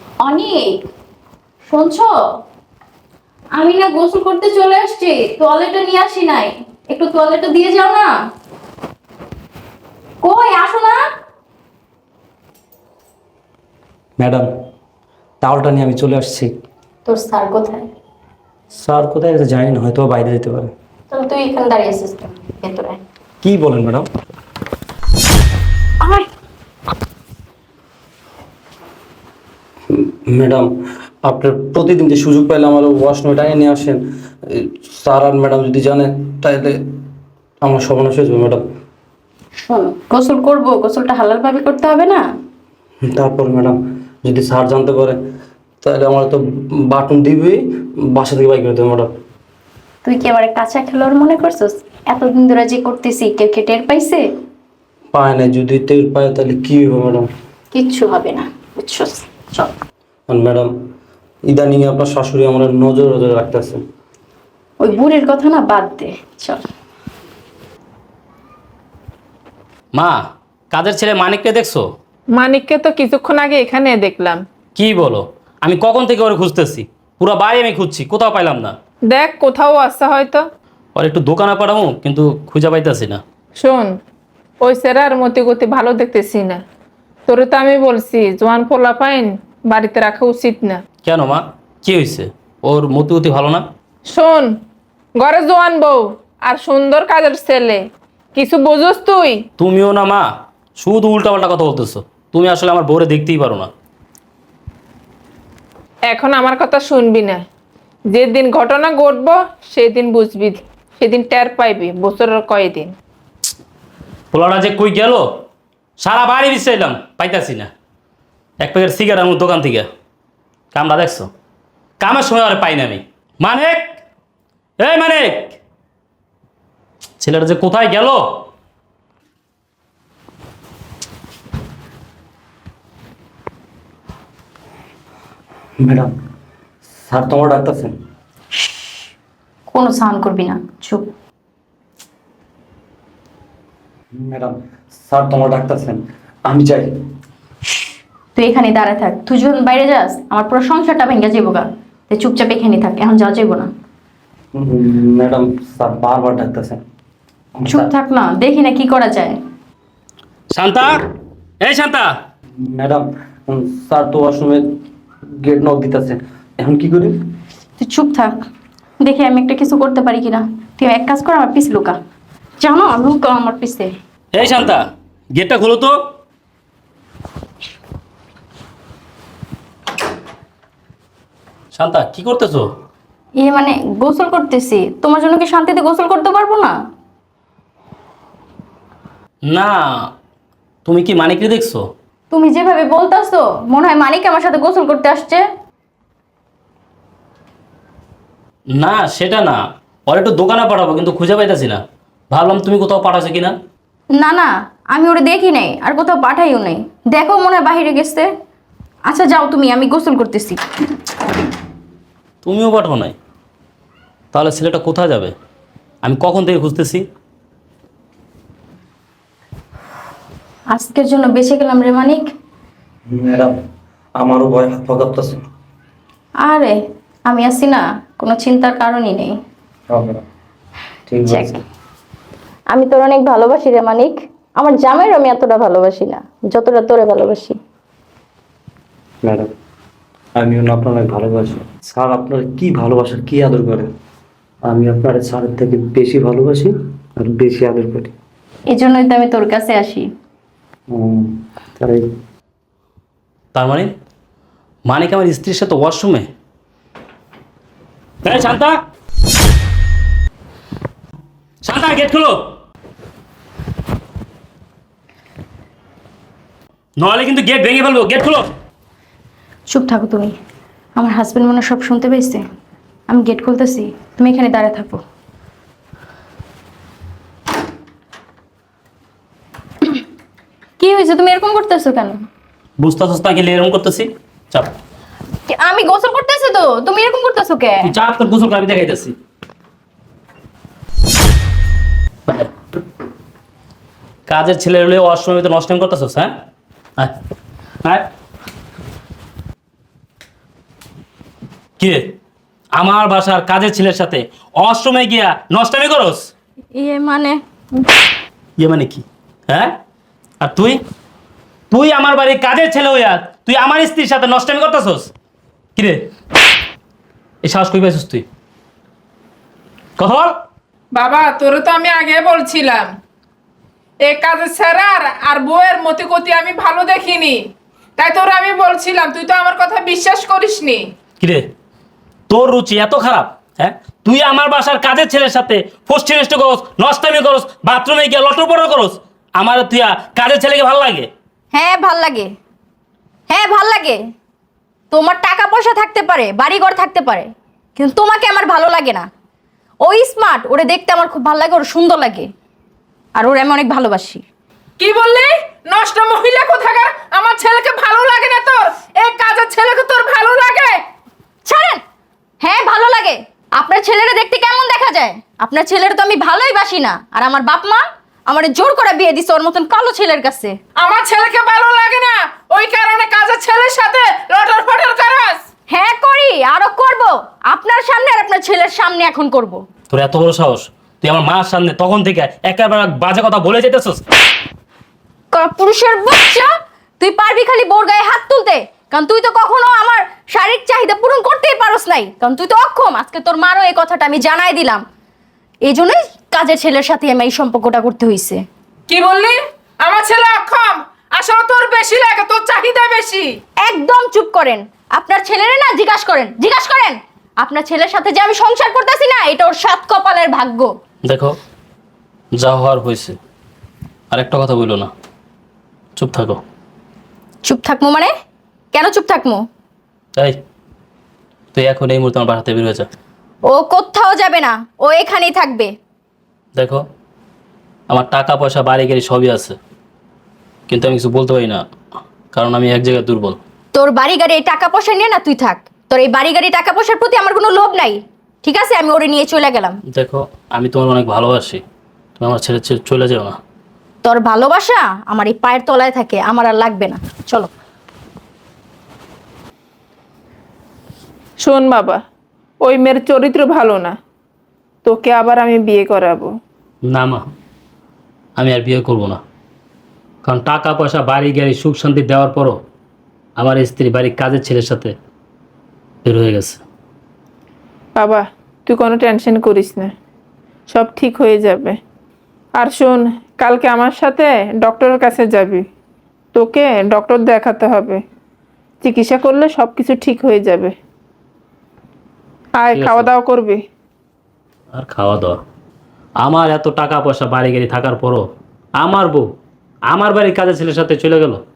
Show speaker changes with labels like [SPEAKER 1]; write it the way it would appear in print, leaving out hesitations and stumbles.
[SPEAKER 1] অনেক শুনছো, আমি না গোসল করতে চলে আসছি, তোয়ালেটা নিয়ে আসি নাই। একটু তোয়ালেটা দিয়ে যাও না। কই আসো না।
[SPEAKER 2] ম্যাডাম, টাওয়ালটা নিয়ে আমি চলে আসছি।
[SPEAKER 1] তোর স্যার কোথায়?
[SPEAKER 2] স্যার কোথায় গেছে জানি না, হয়তো বাইরে যেতে পারে।
[SPEAKER 1] তাহলে তুই এখানে দাঁড়িয়ে আছিস কেন? ভেতরে
[SPEAKER 2] কি বলেন ম্যাডাম?
[SPEAKER 1] আয়।
[SPEAKER 2] ম্যাডাম, আপনার প্রতিদিন যে সুযোগ পাইলে আমার ওয়াশরুমে টাইম নিয়ে আসেন, স্যার আর ম্যাডাম যদি জানেন তাহলে আমার সর্বনাশ হয়ে যাবে ম্যাডাম।
[SPEAKER 1] শোন, গোসল করবো, গোসলটা হালাল ভাবে করতে হবে না?
[SPEAKER 2] তারপর ম্যাডাম, যদি স্যার জানতে পারে তাহলে আমার তো বাটন দিবেই, বাসা থেকে বাইক করে দেবে ম্যাডাম।
[SPEAKER 1] তুই কি আমার কাঁচা খেলোয়াড় মনে করছিস? এতদিন ধরে যে করতেছি কেউ কে টের পাইছে?
[SPEAKER 2] পায় না, যদি টের পায় তাহলে কি হবে ম্যাডাম?
[SPEAKER 1] কিচ্ছু হবে না, বুঝছস? চল।
[SPEAKER 2] আর ম্যাডাম, ইদানিং আপনার শাশুড়ি আমার নজর নজরে রাখতেছে।
[SPEAKER 1] ওই বুড়ির কথা না বাদ দে, চল।
[SPEAKER 3] মা, কাজের ছেলে মানিককে দেখছো?
[SPEAKER 4] মানিককে তো কিছুক্ষণ আগে এখানে দেখলাম।
[SPEAKER 3] কি বলো? আমি কখন থেকে ওরে খুঁজতেছি, পুরো বাড়ি আমি খুঁজছি, কোথাও পাইলাম না।
[SPEAKER 4] দেখ কোথাও আসছে হয়তো।
[SPEAKER 3] ওর একটু দোকানে পাঠাবো, কিন্তু খুঁজে পাইতেছি না।
[SPEAKER 4] শোন, ওই সেরার মতি গতি ভালো দেখতেছি না। তোরে তো আমি বলছি জোয়ান পোলা পাইন বাড়িতে রাখা উচিত না।
[SPEAKER 3] কেন মা, কি হয়েছে? ওর মতি গতি ভালো না?
[SPEAKER 4] শোন, ঘরে জোয়ান বউ আর সুন্দর কাজের ছেলে, কিছু বুঝোস তুই?
[SPEAKER 3] তুমিও না মা, শুধু উল্টাপাল্টা কথা বলতেছো। তুমি আসলে আমার বউরে দেখতেই পারো না।
[SPEAKER 4] এখন আমার কথা শুনবি না। যেদিন ঘটনা ঘটবো সেদিন বুঝবি, সেদিন টের পাইবি বছরের কয়দিন।
[SPEAKER 3] পোলাটা যে কই গেল, সারা বাড়ি বিশ্রাইলাম, পাইতাছি না। এক প্যাকেট সিগারেট আমার দোকান থেকে। কামড়া দেখছো? কামের সময় আর পাই না আমি। মানিক, এই মানিক, ছেলেটা যে কোথায় গেল?
[SPEAKER 2] ম্যাডাম, স্যার তোমার ডাকতেছেন।
[SPEAKER 1] কোনো সাউন্ড করবি না, চুপ।
[SPEAKER 2] ম্যাডাম, স্যার তোমার ডাকতেছেন, আমি যাই।
[SPEAKER 1] তুই এখানে দাঁড়ায় থাক, তুই যখন বাইরে যাস আমার পুরো সংসারটা ভেঙে যাবো গা। তুই চুপচাপ এখানে থাক, এখন যাওয়া যাবো না।
[SPEAKER 2] ম্যাডাম, স্যার বারবার ডাকতেছেন।
[SPEAKER 1] চুপ থাক না, দেখি না কি করা যায়।
[SPEAKER 3] শান্তা, এই শান্তা।
[SPEAKER 2] ম্যাডাম, স্যার তো ওয়াশরুমে গেট নক দিতেছে, এখন কি করি?
[SPEAKER 1] তুই চুপ থাক, দেখি আমি একটা কিছু করতে পারি কিনা। তুই এক কাজ কর, আমার পিছে লুকা। জানো, লুকা আমার পিছে।
[SPEAKER 3] এই শান্তা, গেটটা খোলো তো। শান্তা, কি করতেছো?
[SPEAKER 1] মানে গোসল করতেছি, তোমার জন্য কি শান্তিতে গোসল করতে পারবো না?
[SPEAKER 3] না, তুমি কি মানিককে দেখছো?
[SPEAKER 1] তুমি যেভাবে বলতাছো মনে হয় মানিক আমার সাথে গোসল করতে আসছে।
[SPEAKER 3] না, সেটা না। ওর একটু দোকানে পাঠাবো, কিন্তু খুঁজে পাইতেছি না। ভাবলাম তুমি কোথাও পাঠাছো কিনা।
[SPEAKER 1] না না, আমি ওরে দেখি নাই আর কোথাও পাঠাইও নাই। দেখো মনে হয় বাহিরে গেছে। আচ্ছা যাও তুমি, আমি গোসল করতেছি।
[SPEAKER 3] তুমিও পাঠাও নাই? তাহলে ছেলেটা কোথায় যাবে? আমি কখন থেকে খুঁজতেছি।
[SPEAKER 1] আজকের জন্য বেঁচে গেলাম রে মানিক।
[SPEAKER 2] ম্যাডাম, আমারও ভয় হাত পা কাঁপতেছে।
[SPEAKER 1] আরে আমি আছি না, কোনো চিন্তার কারণই নেই।
[SPEAKER 2] ঠিক
[SPEAKER 1] যাক,
[SPEAKER 2] আছে
[SPEAKER 1] আমি তোর অনেক ভালোবাসি রে মানিক। আমার জামাইয়ের আমি এতটা ভালোবাসি না যতটা তোরে ভালোবাসি।
[SPEAKER 2] ম্যাডাম, আমিও না আপনার অনেক ভালোবাসি। স্যার আপনার কি ভালোবাসা, কি আদর করে। আমি আপনার স্যারের থেকে বেশি ভালোবাসি আর বেশি আদর করি।
[SPEAKER 1] এই জন্যই তো আমি তোর কাছে আসি।
[SPEAKER 2] তাই
[SPEAKER 3] তার মানে মানিক আমার স্ত্রীর সাথে ওয়াশরুমে? এই শান্তা, শান্তা, গেট খুলো, নাহলে কিন্তু গেট ভেঙে ফেলবো। গেট খুলো।
[SPEAKER 1] চুপ থাকো তুমি, আমার হাজবেন্ড মনে হয় সব শুনতে পেয়েছে। আমি গেট খুলতেছি, তুমি এখানে দাঁড়ায় থাকো। কি হয়েছে, তুমি এরকম করতেছো কেন?
[SPEAKER 3] বুঝতেছস না কি এরকম করতেছি? চাপ।
[SPEAKER 1] আমি গোসল করতেছি তো, তুমি এরকম করতেছো কে?
[SPEAKER 3] তুই চাপ, তোর গোসল করে আমি দেখাইতেছি। কাজের ছেলে হলে ওয়াশরুমে তো নষ্ট করতেছস, হ্যাঁ? আয়, আয়। কে আমার বাসার কাজের ছেলের সাথে অষ্টমে গিয়া নষ্টামি করস?
[SPEAKER 1] ইয়ে মানে
[SPEAKER 3] ইয়ে মানে কি? হ্যাঁ, আর তুই তুই আমার বাড়ির কাজের ছেলে হইয়া তুই আমার স্ত্রীর সাথে নষ্টামি করতেছস? কিরে, এই সাহস কই পাইছস তুই? কথা বল।
[SPEAKER 4] বাবা তোরে তো আমি আগে বলছিলাম এই কাজের ছেড়ার আর বউয়ের মতি গতি আমি ভালো দেখিনি, তাই তোরে আমি বলছিলাম, তুই তো আমার কথা বিশ্বাস করিসনি।
[SPEAKER 3] কিরে, তোর রুচি এত খারাপ? হ্যাঁ, তুই আমার বাসার কাজের ছেলের সাথে ফষ্টি নষ্ট করস, নষ্টামি করস, বাথরুমে গিয়ে লটর পটর করস। আমার তুই কাজের ছেলেকে ভালো লাগে?
[SPEAKER 1] হ্যাঁ ভাল লাগে, হ্যাঁ ভাল লাগে। তোমার টাকা পয়সা থাকতে পারে, বাড়িঘর থাকতে পারে, কিন্তু তোমাকে আমার ভালো লাগে না। ওই স্মার্ট, ওরে দেখতে আমার খুব ভালো লাগে, ওর সুন্দর লাগে, আর ওরে আমি অনেক ভালোবাসি।
[SPEAKER 4] কি বললি? নষ্ট মহিলা কোথাকার! আমার ছেলেকে ভালো লাগে না তোর? এই কাজের ছেলেকে তোর ভালো লাগে?
[SPEAKER 1] ছাড়েন। হ্যাঁ ভালো লাগে। আপনার ছেলেরা দেখতে কেমন দেখা যায়? আপনার ছেলের তো আমি ভালোই বাসি না, আর আমার বাপ মা আমার জোর করে বিয়ে দিছে ওর মতন কালো ছেলের কাছে।
[SPEAKER 4] আমার ছেলেকে ভালো লাগে না, ওই কারণে কাজের ছেলের সাথে লটর ফটর করাস?
[SPEAKER 1] হ্যাঁ করি, আরো করব। আপনার সামনে আর আপনার ছেলের সামনে এখন করব।
[SPEAKER 3] তোর এত বড় সাহস, তুই আমার মার সামনে তখন থেকে একেবারে বাজে কথা বলে যেতেছস।
[SPEAKER 1] পুরুষের বাচ্চা, তুই পারবি খালি বোর গায়ে হাত তুলতে, কারণ তুই তো কখনো আমার শারীরিক চাহিদা পূরণ করতেই পারস নাই, কারণ তুই তো অক্ষম। আজকে তোর মারও এই কথাটা আমি জানাই দিলাম, এই জন্যই কাজের ছেলের সাথে আমি এই সম্পর্কটা করতে হয়েছে।
[SPEAKER 4] কি বললি? আমার ছেলে অক্ষম? আসলে তোর বেশি লাগে, তোর চাহিদা বেশি।
[SPEAKER 1] একদম চুপ করেন। আপনার ছেলেরে না জিজ্ঞাসা করেন, জিজ্ঞাসা করেন আপনার ছেলের সাথে যে আমি সংসার করতেছি না, এটা ওর সাত কপালের ভাগ্য।
[SPEAKER 3] দেখো, যা হওয়ার হয়েছে, আর একটা কথা বললো না, চুপ থাকো।
[SPEAKER 1] চুপ থাকবো মানে? কেন চুপ থাকবো?
[SPEAKER 3] এই, তুই এখন এই মুহূর্তে আমার বাসাতে বের হয়ে যা।
[SPEAKER 1] ও কোথাও যাবে না, ও এখানেই থাকবে।
[SPEAKER 3] দেখো, আমার টাকা পয়সা বাড়ি গাড়ি সবই আছে, কিন্তু আমি কিছু বলতে পারি না, কারণ আমি এক জায়গায় দুর্বল।
[SPEAKER 1] তোর বাড়ি গাড়ি এই টাকা পয়সা নিয়ে না তুই থাক, তোর এই বাড়ি গাড়ি টাকা পয়সার প্রতি আমার কোনো লোভ নাই, ঠিক আছে? আমি ওরে নিয়ে চলে গেলাম।
[SPEAKER 3] দেখো, আমি তোমার অনেক ভালোবাসি, তুমি আমার ছেড়ে ছেড়ে চলে যাও না।
[SPEAKER 1] তোর ভালোবাসা আমার এই পায়ের তলায় থাকে, আমার আর লাগবে না, চলো।
[SPEAKER 4] শোন বাবা, ওই মেয়ের চরিত্র ভালো না, তোকে আবার আমি বিয়ে করাবো।
[SPEAKER 3] না মা, আমি আর বিয়ে করব না, কারণ টাকা পয়সা বাড়ি গাড়ি সুখ শান্তি দেওয়ার পরও আমার স্ত্রী বাড়ির কাজের ছেলের সাথে বের হয়ে গেছে।
[SPEAKER 4] বাবা তুই কোনো টেনশন করিস না, সব ঠিক হয়ে যাবে। আর শোন, কালকে আমার সাথে ডক্টরের কাছে যাবি, তোকে ডক্টর দেখাতে হবে, চিকিৎসা করলে সব কিছু ঠিক হয়ে যাবে। আয়,
[SPEAKER 3] ঠিক আছে।
[SPEAKER 4] খাওয়া দাওয়া করবি।
[SPEAKER 3] আর খাওয়া দাওয়া, আমার এত টাকা পয়সা বাড়ি গাড়ি থাকার পরও আমার বউ আমার বাড়ির কাজের ছেলের সাথে চলে গেল।